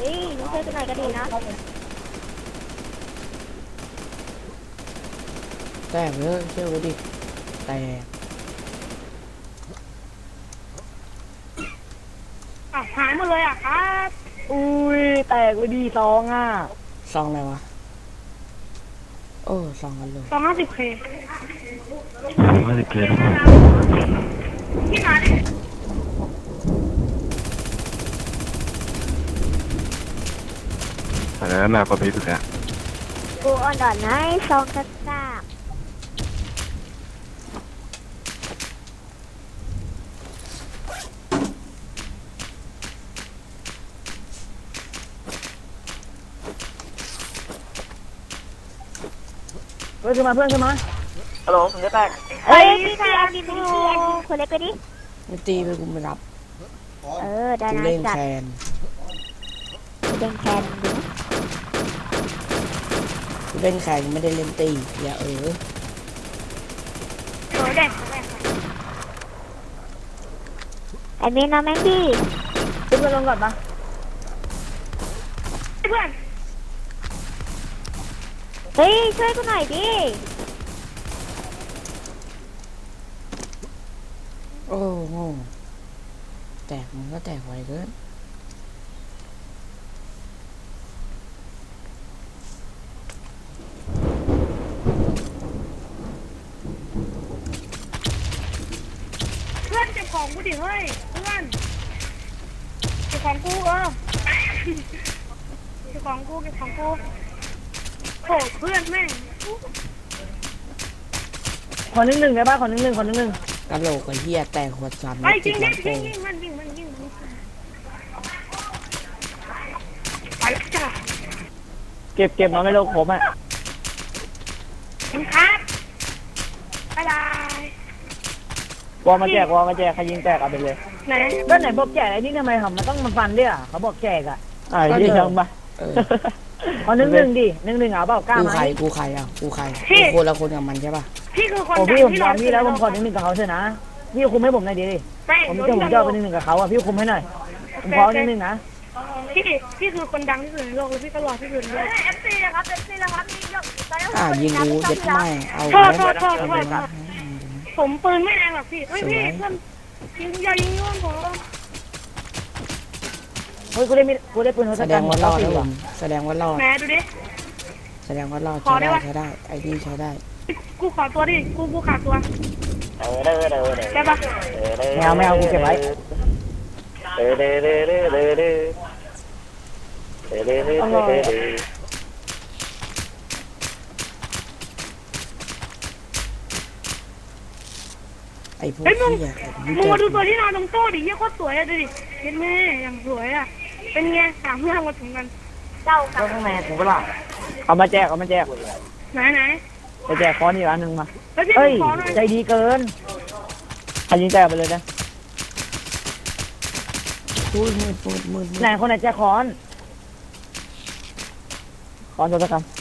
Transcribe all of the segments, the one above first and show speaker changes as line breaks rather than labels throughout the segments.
ฮ้ยน้องช่วยกันหน่อยก็ดีนะ
แตกเลยเชื่อไว้ดิแตก
หายหมดเลยครับ
อุ้ยแตกไปดีซองอ่ะ
ซองอะไรวะโอ้ซองกันเลย
250K
50K
พี่มาดิ
อันนั้นมาประเภทสุดอะ
กูอ่อนดอนนะซองกระซาบ
เพื่อนขึ้นมาฮัลโหลผมจะแตก
เฮ้ยพี่นายเอาดีไปดิคนเล็กไปดิ
ไม่ตีไปกูไม่รับ
ได้
กู
นะ
เล่น
จัด
แคน
เล่นแคนดิ
กูเล่นแคนไม่ได้เล่นตีอย่า
โหเด็กไอ้เมนเอาแม่งดิ
เพื่อนลงก่อนปะ
เพื่อนเฮ้ยช่วยกูหน่อยดิ
โอ้โหแตกมันก็แตกไวเกิน
เพื่อนเก็บของกูดิเฮ้ยเพื่อนเก็บของกูเก็บของกูโหเพื่อนแม่ง
ขอหนึ่งได้ป่ะขอหนึ่ง
กะโหลกไอ้เหี้ยแตกหัวซ้ำ
ไอ้จริ
ติ
ง
ดหลังโป่
ยิงมันไปแล้วจ้ะ
เก็บมาไม่ลงผมอ่ะ
ครับบ๊ายบายว
อลมาแจกใครยิงแตกเอาไปเลย
ไหน
ก็ไหนบอกแจกไอ้นี่ทำไมมันต้องมาฟันด้วยอ่ะเขาบอกแจกอ่ะยี่ช่างปะขอหนึ่งดิ1-1เอาเปล่ากล้าไหม
กูใครอ่ะกูคนละคนกับมันใช่ป่ะ
พี่คือคน
พี่ผมยอมพี่แล้วผมขอ1-1กับเขาเถอะนะพี่คุมให้ผมหน่อยดิผมจะเอาไป1-1กับเขาอ่ะพี่คุมให้หน่อยผมขอ1-1นะ
พี่คือคนดังที่สุดในโลกแล้วพี่ก็รอที่สุดในโลกFC นะครับนี่ยก
ยิงกูเย็ดไม่เอา
โทษผมปืนไม่แรงหรอกพี่เฮ้ยพี่เพื่อนอย่ายิงย้อนผม
เฮ้ยกูได้ปืน
แสดงว่ารอดแล้วแสดงว่ารอด
แม่ดูดิ
แสดงว่ารอดใช้ได้ไอ้นี่ใช้ได้
กูขอตัวดิกูขาดตัวได้ปะ
ไม่เอากูเก็บไว้
ไอ้พวก
ที่
มึง
มาดูตัวที่นอนตรงโต๊ะดิเยี่ยโคตรสวยอะดูดิเห็นไหมอย่างสวยอะเป็นไงถามเรื่องมาถึงกันเจ้ากับ
ข้างในกูก็ล่ะเอามาแจก
ไหน
ไปแจกค้อนอีกอันนึงมาเฮ้ยใจดีเกินใครยิงแตกไปเลยนะ
มืด
ไหนคนไหนแจกค้อนตัวตะกัน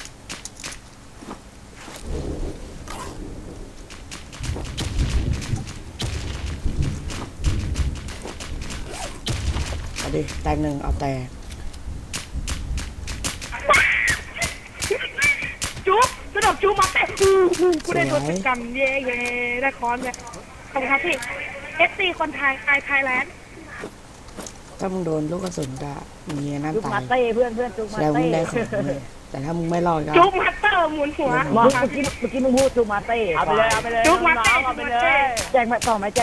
เอาดิแตก1เอาแตก
จุ๊บกระโดดจุ๊บมาแต่กูได้ตัวติดกันเย่ได้ค้อนเลยขอบคุณครับพี่ FC คนไทยไทยแลนด์
ถ้ามึงโดนลูกกระสุนจะมีนั่นตาย
จุ๊บมาเต้เพื่อนจุ๊บมาเต้
แล้วมึงได้ของแต่ถ้ามึงไม่รอดก็
จุ๊บมาเตอร์หมุนหัว
เมื่อกี้มึงพูดจุ๊บมาเต้เอาไปเลย
จุ๊บมาเต้เอาไปเลย
แจกต่อไหม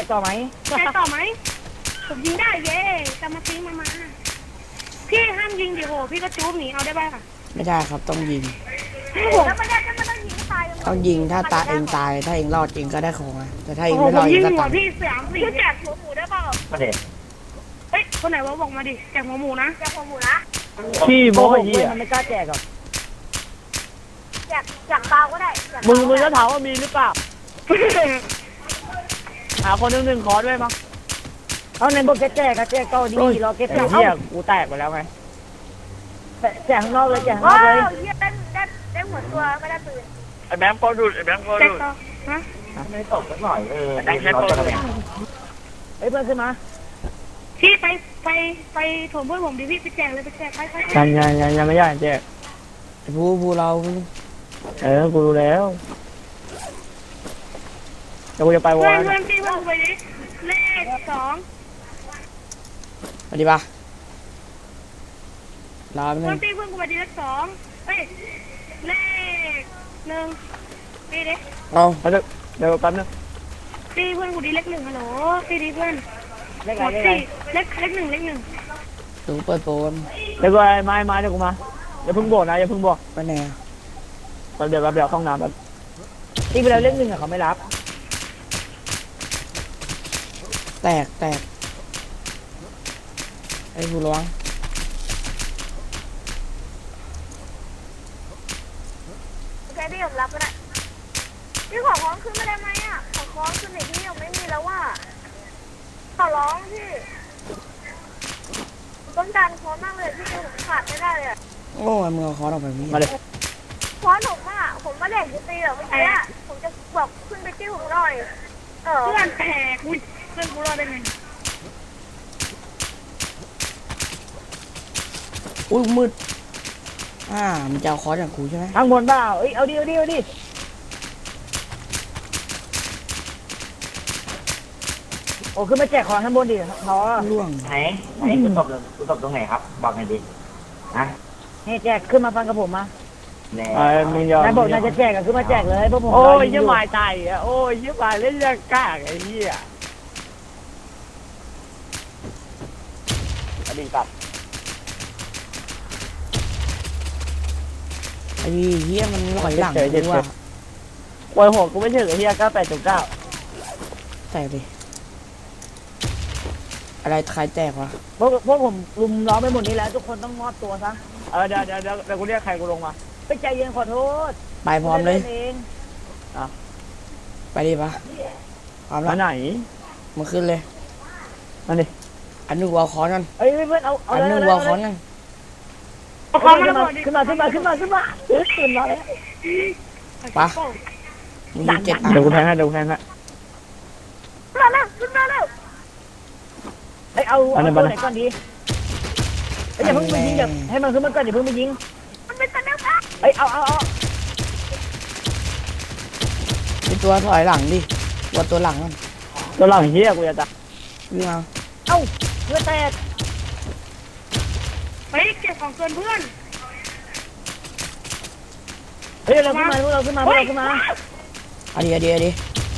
ผมยิงได้เย่จะมาทิ้งมาพี่ห้ามยิงดิโหพี่ก็จุ๊บหนีเอาได้ป่ะ
ไม่ได้ครับต้องยิง
แล้วไม่ได้ก็ไม่ต้องยิงตาย
ต้องยิงถ้าเองตายถ้าเองรอดเองก็ได้ของแต่ถ้าเองไม่รอดเองก็ตาย
พี่3-4แจกหัวหมูได้เปล่า
ประเด็น
เฮ้ยคนไหนวะบอกมาดิแจกหัวหมูนะ
พี่โม้ยมันไม่กล้าแจกหรอก
แจกเปล่าก็ได้
มึงก็ถามว่ามีหรือเปล่าหาคน1-1ขอด้วยมั้งเอาในบอกแจกก็ดีรอเก็บเหี้ยกูแตกไปแล้วไงแจกข้างนอกเลย
ได้หัวตัวไม่ได้ปืน
ไอ้แบงค์ก็ดู
ฮะ
ไม่ตกสักหน่อยแบงค์แค่ตัวเฮ้ยเพื่อนขึ้นมา
พี่ไปโถมเพื่อนผมดิพี่ไปแจกเลยไปแจกไป
ยังไม่ย่างแจก
ไอ้ผู้เรา
กูรู้แล้วเดี๋ยวกูจะไปวอ
เพื่อ
ล
นเพื่อนพี่เพื่อนกูไปดิเลข2
มาดิปะรอแป๊บ
เพื่
นึ
อน
ง
พี่เพื่อนกูไปดิเลข2เฮ้ยเลข1พี่ดิ
เอา
เดี๋ยวแป๊บนึง
พี่เพื่อนกูดิเลข1ฮัลโหลพี่ดิเพื่อน
เลข
หม
อะไร
ด
เลขอะไร
สี่เลข1
ตูเปิดโปน
เดี๋ยวกูมาเดี๋ยวกูมาอย่าเพิ่งบอกนะอย่าเพิ่งบอก
ไปไหนอะ
เดี๋ยวเข้าห้องน้ำแป๊บที่เวลาเล่นหนึ่งอะเขาไม่รับ
แตกไอ้ผู้ร้อง
โอเคพี่ผมรับก็ได้พี่ขอค้องขึ้นมาได้ไหมอ่ะขอค้องขึ้นหน่อยพี่ยังไม่มีแล้วว่าขอร้องพี่ต้องการค้อนมากเลยพี่ผมขาดไม่ได้เลย
โอ้ยมึงเอาคอร์สออกไปพี่
มาเลย
ค้อนผมอ่ะผมมาแดกจะตีเหรอเมื่อกี้ผมจะบอกขึ้นไปจิ้วผมหน่อยเพื่อนแตกเพื่อนกูรอดได้ไง
อุ้ยมืดมึงจะเอาคอร์สจากกูใช่ไหม
ข้างบนเปล่าเอ้ยเอาดิโอ้ขึ้นมาแจกของข้างบนดิเขา
ล่วง
ไหนคุณตบตรงไหนครับ บอกหน่อยดินะ
ให้แจกขึ้นมาฟังกับผมมา
แน่
มึงยอมนายบอกนายจะแจกก็ขึ้นมาแจกเลยพวกผม
โอ้ยยี่หมายตายอ่ะโอ้ยยี่หมายเล่นยังกากไอ้เหี้ย
อดีตตัด
ไอ้เหี้ยมันลอยหลังกูว่ะ
โอ้ยโหกูไม่ถึงไอ้เหี้ย98.9
แตกดิอะไรใครแตกวะ
พวกผมลุมล้อมไปหมดนี้แล้วทุกคนต้องมอบตัวซะ
เดี๋ยวกูเรียกใครกูลงมา
ไปใจเย็นขอโทษ
ไปพร้อมเลย
เอง
ไปดิปะพร้อมแล้
มาว ไหน
มึงขึ้นเลย
มาดิ
อันนึงวอลคอร์สกัน
เอ้ยเพื่อนเอา
อันนึงวอลคอร์สกัน
ขึ้นมาขึ้นมาแล้ว
ปะมึงอยู่7 อัน
เดี๋ยวกูแทงให้
ขึ้นมาแล้ว
เอ้ยเอาตัวไหนก่อนดีอย่าเพิ่งไปยิงอย่าให้มันขึ้นมาก่อนอย่าเพิ่งไปยิง
มันเป็นตันแล้วครับ
เอ้ยเอา
ไอตัวถอยหลังดิตัวหลังมัน
ตัวหลังเหี้ยกูจะตาย
วิ่งเอา
เอาเพื่อแตก
เฮ้ยเก็บของเกินเพื่อน
เฮ้ยเราขึ้นมาพวกเราขึ้นมา
เอาดิ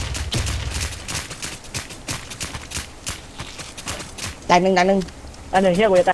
แตกหนึ่ง
อันหนึ่งเหี้ยกูจะตาย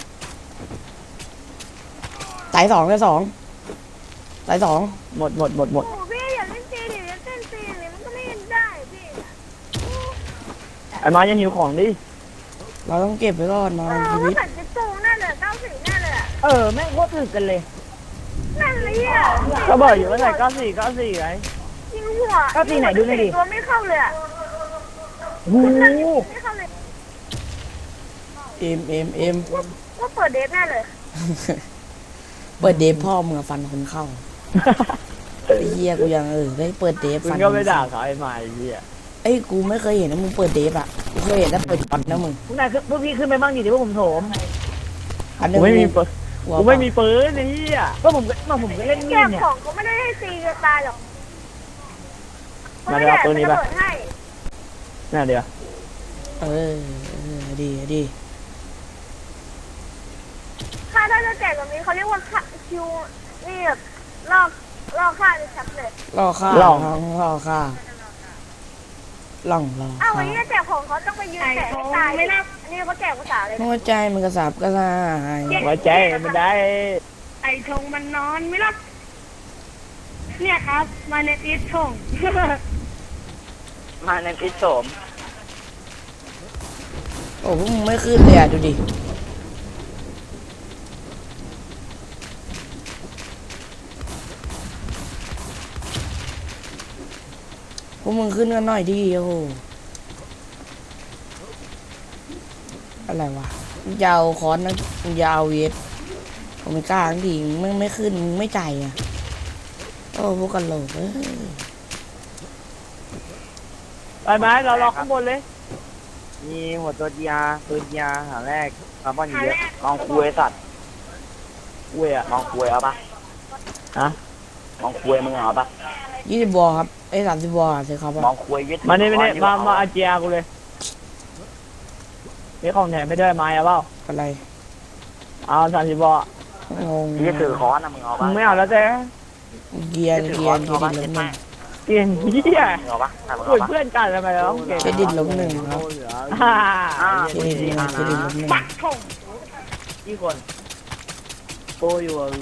ตายสองตายสอง
หมด
โอ้พี่อย่าเล่นซีดิอย่าเล่นซีดิมันก็ไม่ได้พี่
ไอ้ไม้ยังหิวของดิ
เราต้องเก็บไว้ก่อนนอนชีวิต
ว่าแต่จะโตแน่เลย94แน่เลยอ่ะ
แม่งโคตรถึกกันเลย
นั่นเลยอ่ะ
ก็บอกอยู่ว่าใส่94ไง
ยิงหัว
94ไหนดูหน่อยดิ
ตัวไม่เข้าเลยอ่ะ
โอ้โห
ไม่เข้าเลย
เอ็ม
ว่าเปิดเดทแน่เลย
เปิดเดฟพ่อมึงอะฟันคนเข้าไอ้เหี้ยกูยังได้เปิดเดฟ
มึ
ฟั
ง
น
ก็ไม่ด่าเขาไอ้ไม้ไอ้เหี้ย
เอ้ยกูไม่เคยเห็นนะมึงเปิดเดฟอ่ะกูเคยเห็นแต่เปิดฟันนะมึง
พวกนายพวกพี่ขึ้นไปบ้างดิเดี๋ยวพวกผมโถม
อันนึ
กู
ง
ไม่มีปืน
หัว
กูไม่มีปืนไอ้เหี้ย
ก็ผมก็เล่นมี
แก้
ดเนี่ย
ของเขาไม่ได้ให้ซีจะตายหรอก
มาเดี๋ยวเอาตัวนี้ไป
เปิดให้
น่าเดี๋ยว
ดี
ค่าถ้าจะแจกแบบนี้เขาเรียกว่าค่าคิวนี่แบบลอกค่าในแชปเลย
ล่อฆ่า
ล่อ
ล่อง
อ้าววันนี้จะแจกของเขาต้องไปยืนแจกให้ตายไม่น่าอันนี้เขาแจกภาษาเลย
หัวใจมันกระสับกระส่าย
ไว้ใจมันได้
ไอชงมันนอนไม่รับเนี่ยครับมาเนติชง
มาในพิษโสม
โอ้พวกมึงไม่ขึ้นเลยอ่ะดูดิพวกมึงขึ้นกันหน่อยดิโอ้โหอะไรวะยาวคอนนะยาวเวทผมไม่กล้าทั้งทีไม่ขึ้นไม่ใจอ่ะโอ้พวกกันโหลก
ไปไหมเรารอข้างบนเลยมีหัวตัวจีอาปืนจีอาหาแรกคาร์บอน
หา
เย
แร
อะ
ก
มองคุยสัตว์
เว้ยอะ
มองคุยเอาปะ
ฮะ
มองคุยมึงเอาปะ
20 วอลครับไอ้30 วอลสิครับ
มองคุยยึด
มานี่มาอาเจียกูเลยนี่ของแถมไม่ได้ไม้อะเปล่า
อะไร
เอา30 บอ
งง
ยึดถือค้อนนะมึงเอา
มึ
ปะ
งไม่เอาแล้วเจ๊
เกียร์เครดิตลบหนึ่ง
เก่งเหี้ย
มึงเอาปะถ้ามึง
คุ
เอา
ย
ปะ
เพื่อนกันทำไมเราต้องเก่ง
เครดิตลบหนึ่งครับ
ฮ่า
เครดิตลบเครดิตลบหนึ่ง
ปักถง
กี่คนโปอยู่อะ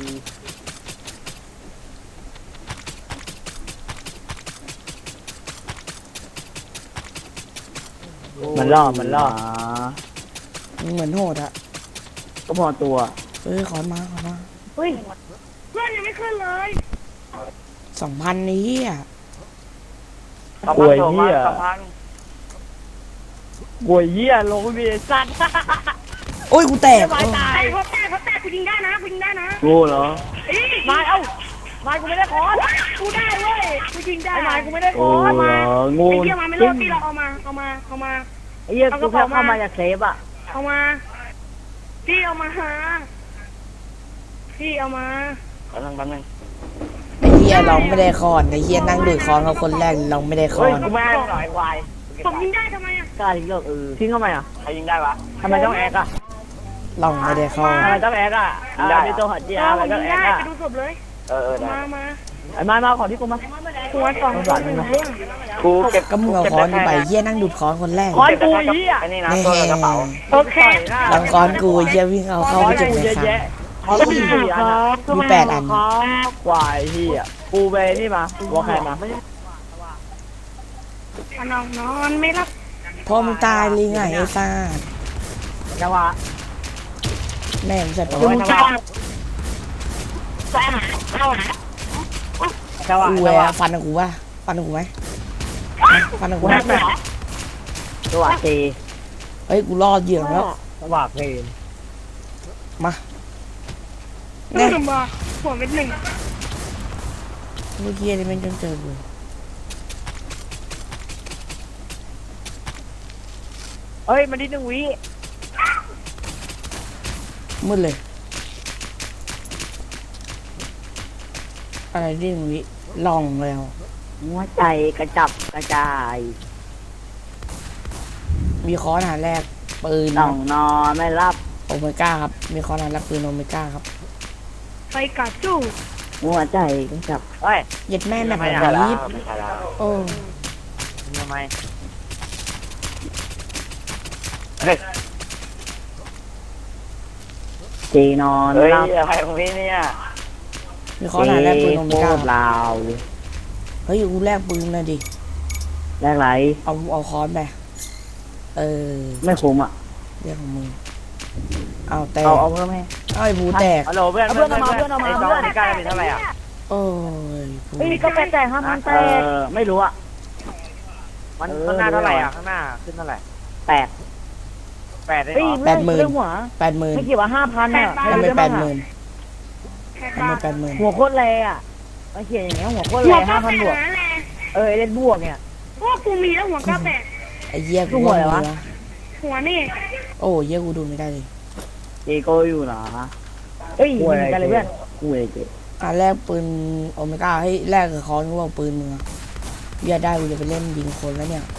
มันล่อ
มึงเหมือนโหดอะ
ก็พอตัว
เฮ้ยขอนมา
เฮ้ยเพื่อนยังไม่ขึ้นเลย
2,000นี้อ่ะ
สองพันโถมาสองพัน
กวยเหี้ยลงไม่มีสัตว์
โอ้ยกูแตก
ไม่ตาย
เขาแตกกูยิงได้นะกูยิงได้นะ
กูเหรอ
เอ้ย
มาเอ้ามากูไม่ได้คอน
กูได้เว้ยกูยิงได้
ไอ้นายกูไม่ได้คอน
มา
งู
ไอ้เหี้ยมาไม่รอดพี่เราเอามา
ไอ้เหี้ยกูแค่เข้ามาจากเซฟอ่ะ
เอามาพี่เอามาหาพี่เอามา
แป๊บนึง
ไอ้เฮียเราไม่ได้คอนไอ้เฮียนั่งดูดคอนเขาคนแรกเราไม่ได้คอ
เฮ้ย
น
กูไม่ให้หน่อยวาย
ผมยิงได้ทำไมอ่ะ
กล้าทิ้งเลิกทิ้งทำไมอ่ะ
ใครยิงได้วะ
ทำไมต้องแอกอ่ะ
เราไม่ได้คอน
ทำไมต้องแอกอ่ะมีตัวหัดเจีย
ผ
อะไร
ม
ต้
ยิ
อง
ง
แอ
ได้
กอ่ะ
ไปดูศพเลย
ได้
มา
ไอ้มาขอที่กูมา
หัวสองคนเรื่อง
กูเก็บ
ก็มึงเอาคอนกูไปเฮียนั่งดูดคอนคนแรก
คอนกูเหี้ย
ไอ้นี่นะ
แน่
ตัวกระเป๋า
โอเค
หลังคอนกูเฮียวิ่งเอาเข้าไปจุดเลยครับ
คอนกู4 อันอ่ะ
มี8 อัน
กวายเหี้ยกูไปนี่มาวัวใครมา
นอนไม่รับ
พ่อมึงตายเลยไงไอ้ซ่า
จังหวะ
แม่มึงจะตาย
จังหวะ
กูแหวะฟันกูวะฟันกูไหมฟันกูไหม
จังหวะตี
เฮ้ยกูรอดเหยื่อแล้ว
จังหวะเพลง
มา
นี่
เนี่ย
มาหัวเป็นหนึ่ง
เมื่อกี้นี่มันจนเจอกู
เอ้ยมันนิดนึงวิ
มืดเลยอะไรที่มึงวิลองแล้ว
หัวใจกระจับกระจาย
มีคอนหาแรกปืน
ต้องนอนไม่รับ
โอเมก้าครับมีคอนหาแรกปืนโอเมก้าครับ
ไปกัดจู้
หัวใจกระจับ
เอ้ย
เย็ดแม่แบบ
ไม่
ไห
ใช่
น
แล้ว
ยิบ
ไม่ใช่แล้ว
โอ้
ทำไม
เฮ้ย
จีนอน
เฮ้ย
รับ
อะไรของพี่เนี่ย
มีคอนหาแรกปืนโอเม
โค
ก้า
ตรลาว
เฮ้ยกูแลกปืนเลยดิ
แรกไร
เอาคอนไปเออ
ไม่คุ้มอ่ะ
เรื่องของมึงเอาแตก
เอาเพิ่มให้
เอาไอ้บูแตก
ฮัลโหลเพื่อน
เอาเพื่อนเอามาเพื่อนเอามา
ไอ้ซองนี่กล้าเป็นเท่าไหร่อ่ะ
โอ้ยกู
เฮ้ยก็แปดแตก5,000แตกไม่รู้อ่ะ
มันข้างหน้าเท่าไหร่อ่ะข้างหน้าขึ้นเท่าไหร่
แตก
8ได้
เฮ้ย
เหรอ
เรื่องหัว
80,000
ไม่เกี่ยวกับ5,000อ่ะ
ทำไม
รู้ได้บ้างอะ
80,000
แค่
ทำไม
ตา
80,000
หัวโคตรแรงอ่ะมาเขียนอย่างเงี้ยหัวโคตร
หั
แร
ว
ง
ก็แต
5,000 บวก
กนั่นแหละ
เล่นบวกเนี่ย
พวกกูมีแล้วหัวก็แตก
ไอ้เหี้ยกู
หัวอะไรวะ
หัวนี่
โอ้เหี้ยกูดูไม่ได้เลย
เจโกอยู่เหรอเฮ้ยยิงกันเลยเพื่อนกูเลยเจ
อ่ะแลกปืนโอเมก้าให้แลกกับคอนกูเอาปืนมึงอะอย่าได้กูจะไปเล่นยิงคนแล้วเนี่ย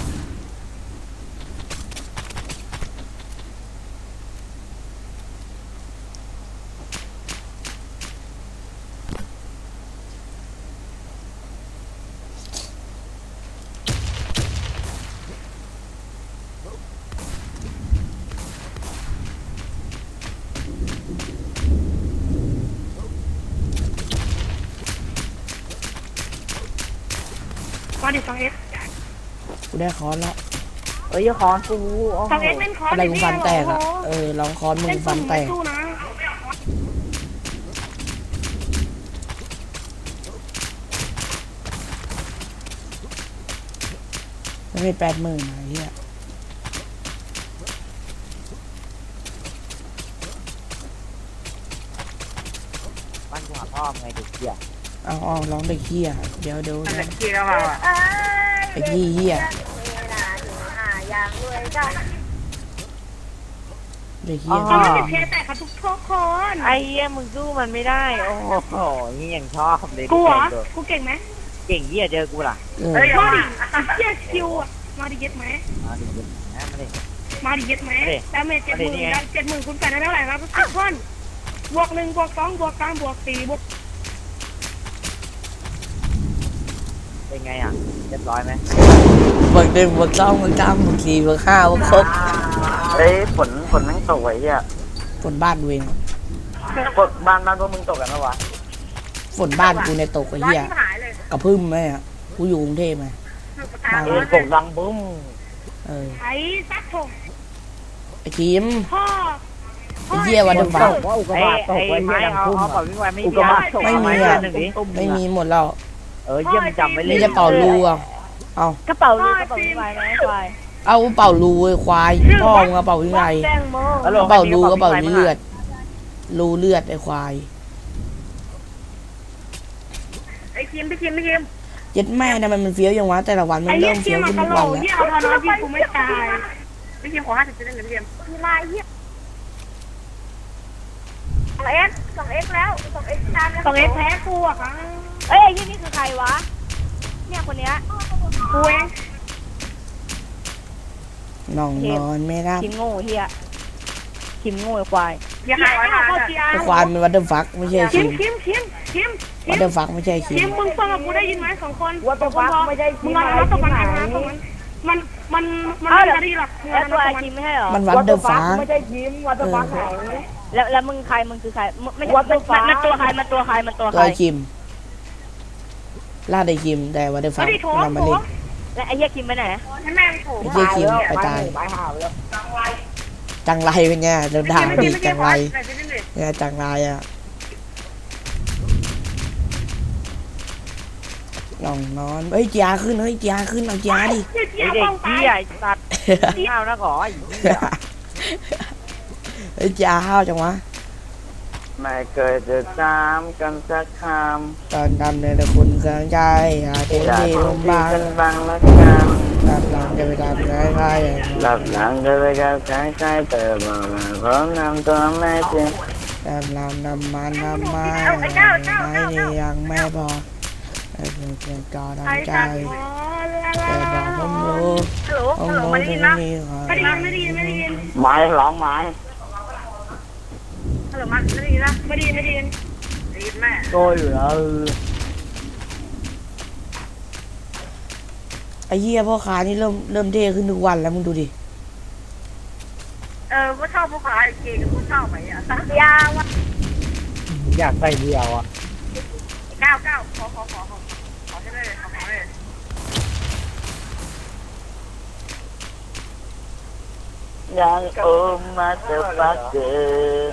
มาดิสองเอส
กูได้คอนแล้ว
เอ้ยคอนกูโอ้
สองเอสเล่นคอร์ส
อะไรกูฟันแตก
โอ้
อ่ะ
โห
เออลองคอนมึ
เล่
ง
น
ฟั
สุ่
น
ม
แต
ไม่
ก
สู้นะ
ไม่ใช่80,000นะไอ้เหี้ย
บ้านกูหาพ่อไงเด็กเหี้ย
เอาลองเด็กเหี้ยเดี๋ยว
มัน
นะ
เกี่ยวมาอ่ะ
ไอ้เหี้ยเด็กเฮีย
เขาไม่ติดเคแต่ครับทุกคน
ไอ้เหี้ยมึงสู้มันไม่ได้ โอ้โหนี่ยังชอบเลย
กูเหรอกูเก่งไหม
เก่งเหี้ยเจอกูล่ะ
มาดิเฮียคิวอ่ะมาดิเย็ดไหม
มาดิมาดิ
มาดิเย็ดไหม
มาดิ
ดาเมจ70,000คุณแปดได้เท่าไหร่ครับทุกคนบวก1บวก2บวก3บวก4บวก
เป็นไงอ่ะเรียบร้อยไหม
บวก1บวก2บวก3บวก4บวก5บวก6
เฮ้ยฝนแม่งตกไว้เหี้ย
ฝนบ้านกูเอง
ฝนบ้านพวกมึงตกกันปะวะ
ฝนบ้านกูในตกไอ้เหี้ย
หายเลย
กระพึ่มไหมอ่ะกูอยู่กรุงเทพไหมบ้าน
ตกดังบึ้ม
เออ
ไอ้ซักถง
ไอ้คิม
พ่อ
ไอ้เหี้ยวันเดอร์ฟั
ต
ก
กว่าอุกกา
ไอ้
บาตตก
ไอ้
ไว้
ไม้
เหี้ยดัง
เอา
พุ่ม
เอาเป่า
อะ
วิ่งไวไม่
อุกกาบาตตก
ไม่มี
อะ
อ่ะ
หนึ่งดิ
ไม่มีหมดแล้ว
เออเยี่ยมจำไว้เลย
นี่จะเป่ารูอ่ะเอา
กระเป๋าลูกกระเป๋าวิ่งไวไหมควาย
เอาเป่ารูไอ้ควายพ่อมึงเอาเป่ายังไง
แตงโม
เป่ารูก็เป่าเลือดรูเลือดไอ้ควาย
ไอ้คิมพี่คิม
เย็ดแม่นะมันเฟี้ยวยังวะแต่ละวันมัน
ไอ้เหี้
เริ่
ย
ม
คิ
เฟี้
ม
ยว
มา
ขึ้น
ต
ทุก
ล
วัน
ก
แล้ว
เหี้ยเอาพอน้อยพี่กูไม่ตายพี่คิมขอ50จะได้เงินพี่คิมมีลายเหี้ย2x แล้ว 2x ตามแล้ว 2x แพ้กูอ่ะครับ
เอ้ยยี่นี่คือใครวะ เนี่ยคนเนี้ย
กูเอง
น้องนอนไม่รับ
คิมโง่เฮียคิมโง่ไอ้ควาย
อย่าหาว่าเข้าเกีย
ไอ้
ร์
ควายมันวัดเดอร์ฟักไม่ใช่
คิ
คิ
ม
มวัดเดอร์ฟักไม่ใช่คิ
คิ
ม
มมึงฟังกับกูได้ยินไหม2คน
ว่าตัวฟักไม่ได้
มึ
ที่
ง
ไหน
เอาตะ
ที่
วัน
ไหน
กันนะตะวันมันไม่ดีหรอก
แล้วตัวไอคิมไม่ใช่เหรอ
มันวัดเดอร์ฟัก
ไม่ใช่ยิ้มวัดตัวฟักไหน
แล้วมึงใครมึงคือใครมึงไม่
What the fuck
มันตัวใครมันตัวใครมันตัว
ตัว
ใคร
ไอ้คิมล่าไอ้คิมแต่วัดเดอร์ฟัก
ไม่ได้โถ
มันมาเล่น
และไอ้เฮียคิมไปไหน
แม่งโถ
ไอ้เหี้ยคิมไปตาย
ตายห่าแล้ว
จังไรเป็นไงเราด่าดีจังไรเนี่ยจังไรอ่ะน้องนอนเฮ้ยจียาขึ้นเฮ้ยจียาขึ้นเอาจียาดิ
ไอ้เด็กเหี้ยไอ้สัตว์ข้าวนะขอไอ้เหี้ย
เฮ้ยจียาห้าวจังวะ
ไม่เคยจะจำกันสักค
ตอนทำในตะคุณเครื่องใจหาเต็ม
ำจาก
ที่ล
ที่
มบาง
กันบางละกัน
รับหลังจะไปทำใคร
หลับหลังก็ไปกับใครๆแต่บอกมาพร้อมนำตัวแม่จริง
ๆแต่ลำนำมันทำมาไม่นี่ยังไม่พอแต่เพียงก่อทำใจแต่บอกผมรู้ผมรู้ที่นี่ขอ
ไม่ได้ยิน
ไม้ร้องไม้
ฮัลโหลมาไม่ได้ยินนะไม่ได้ยินได้ยินแม่
โตอยู่แล้ว
ไอ้เหี้ยพ่อค้านี่เริ่มเท่ขึ้นทุกวันแล้วมึงดูดิ
ก็ชอบผู้ขายเก่งก็ชอบไหมอ่ะสักยาวอ่ะ
อยากใส่เดียวอ่ะ
9ขอให้ได้เลยขอให้ได้
ยังโอมาเจอฟักเกอร์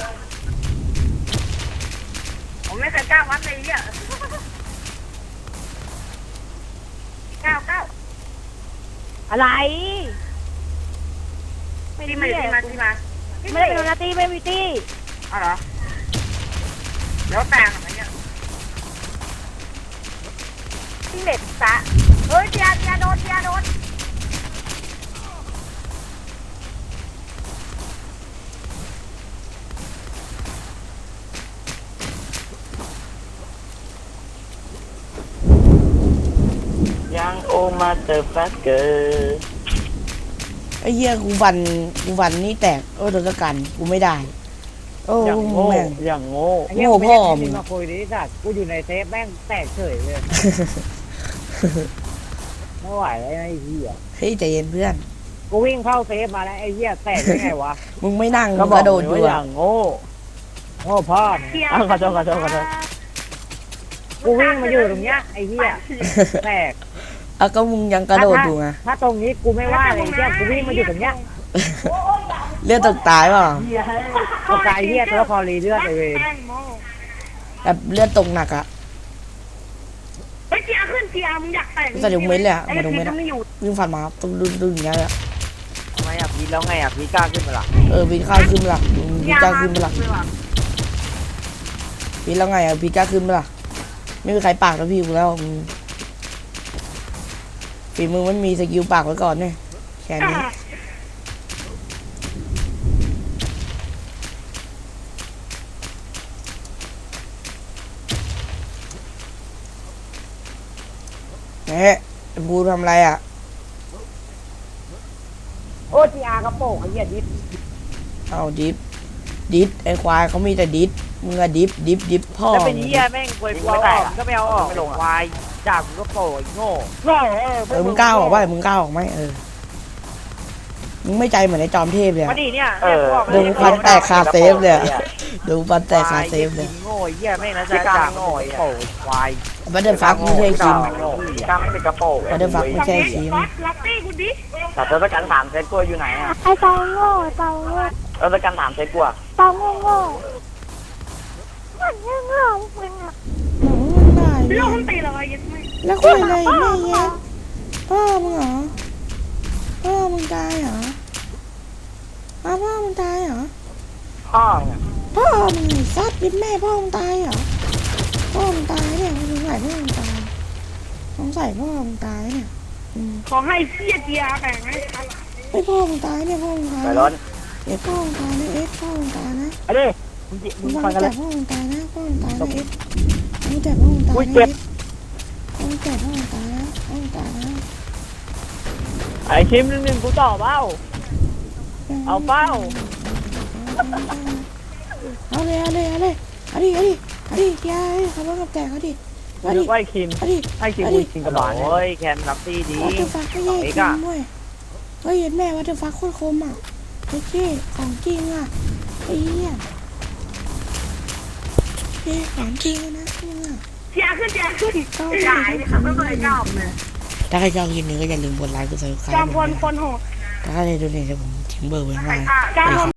ผมไม่เคย9วัดเลยอ่ะ9
อะไร
ที่มา
ไม่ได้เป็นโดนาตี้ไม่มีตี้
อ๋อเหรอแล้วแตงอะไรเนี่ย
ที่เด็ดซะเฮ้ยเจียโดน
ยังโอมาเจอฟักเกอร์
ไอ้เหี้ยกูฟันนี่แตกโดนสกันกูไม่ได้โอ้
อย่างโง่
แม่ง
อย่างโง่
โง่พ่อมึ
มึ
ง
งมาคุยดิสัตว์กูอยู่ในเซฟแม่งแตกเฉยเลยไม่ไหวแล้วไอ้เหี้ย
เฮ้ยใจเย็นเพื่อน
กูวิ่งเข้าเซฟมาแล้วไอ้เหี้ยแตกได้ไงวะ
มึงไม่นั่ง
ก็
มึง
บอก
กระโดดอยู่
ว่าอ
อะ
ย่างโง่โง่พ่อมึง
อ้าวขอโทษ
กูวิ่งมาอยู่ตรงเนี้ยไอ้เหี้ยแตก
อ่ะก็มึงยังกระโดดอยู่ไง
ถ้าตรงนี้กูไม่ว่าเลยไอ้เหี้ยกูวิ่งมาอยู่ตรงเนี้ย
เลือดตกตายเปล่า
เอาไกลเหี้ยตัวคอรีเลือดไปเวร
แตงโม
แบบเลือดตกหนักอะ
เฮ้ยเจียขึ้นเจียมึงอยากแต่ง
ใส่ถุงเม็ดเลยอะมาถุงเม็ด
ไอ้
อะ
ไม่อยู่
วิ่งฟันมาตึ้งดึงอย่างเงี้ยอะ
ทำไมอ่ะพีทแล้วไงอ่ะพีทกล้าขึ้นมาล่ะ
พี่ข้าวขึ้นมาละพี่จ้าขึ้นมาละพี่แล้วไงอะพี่จ้าขึ้นมาละไม่มีใครปากแล้วพี่กูแล้วฝีมือมันมีสกิลปากไว้ก่อนเนี่ยแค่นี้เอ๊ะบูทำอะไรอ่ะ
โอ้จีอาร์กระโปงไอ้เหี้ยดิฟ
เอาดิฟไอ้ควายเขามีแต่ดิฟมึงอะดิฟพ่อ
แล้วเป็นเหี้ยแม่งกวยกลัวออกก็ไม่เอาออกควายจากกูก็โผล่โง่
โง่
มึงกล้าออกไหมมึงกล้าออกไหมมึงไม่ใจเหมือนไอ้จอมเทพเลย
มาดิเนี่ย
ดูฟันแตกคาเซฟเลยดูฟันแตกคาเซฟเลย
โง่เหี้ยแม่งนะจ๊ะจากโง่โผล่ควาย
บัตเตอร์ฟักไม่ใช่คิม
กล้ามไม่เป็นกระโปรง
บัตเตอร์ฟักไม่ใช่คิม
บอสล็อกตี้กูดิ
แต่ทศกัณฐ์ถามเซตกลัวอยู่ไหนอ่ะ
ไอ้เปาโง่เปาโง่
ทศกัณฐ์ถามเซตกลัว
เปาโง่โง่มันโง่โง่มึงอะ
หนูมันได้
พี่ลูกมันตีเราไอ้ยัดไม่
แล้วคุยอะไรแม่เงี้ยพ่อมึงเหรอพ่อมึงตายเหรอพ่อมึงตายเหรอ
พ่อเนี่ย
พ่อมึงซัดยิบแม่พ่อมึงตายเหรอพ่อมึงตายเนี่ยมึงใส่พ่อมึงตายสงสัยพ่อมึงตายเนี่ย
ขอให้เสียเจียแบ่งให้ครับ
ไอ้พ่อมึงตายเนี่ยพ่อมึงตาย
ไปร้อน
เอ็ดพ่อมึงตายนะเอ็ดพ่อมึงตายนะ
ไอ้ดิมึ
มึ
ง
ง
ฟั
ฟั
ง
ง
กันเล
แต่
ย
พ่อมึงตายนะพ่อมึงตายนะเอ็ดมึงแต่พ่อมึงตายนะเอ็ดมึงแต่พ่อมึงตายนะพ่อมึงตายนะ
ไอ้คิมหนึ่งกูต่อเป้าเอาเป้า
เอาเลยเอาดิยายขับรถกับแตกเอาดิเอาดิ
ไอ้คิม
เอาดิ
ไอ้คิมกูชิงกระบาลโอ้ยแคนรับตี้ดี
วัตถุฟักไม่ใช่คิมด้วยเฮ้ยเห็นแม่วัตถุฟักโคตรคมอ่ะไอ้เจ๊ของจริงอ่ะไอ้เหี้ยเจ๊ของจริงนะมึงอ่ะ
เจียขึ้นใหญ่เลยครับไม่เคยชอบเลย
ถ้าใครชอบคลิปนี้ก็อย่าลืมกดไลค์กดซับสไคร
จอม
ต์
พลคนโหด
ถ้าใครดูเนี่ยจะผมทิ้งเบอร์ไว้ข้างล่าง
จอมพล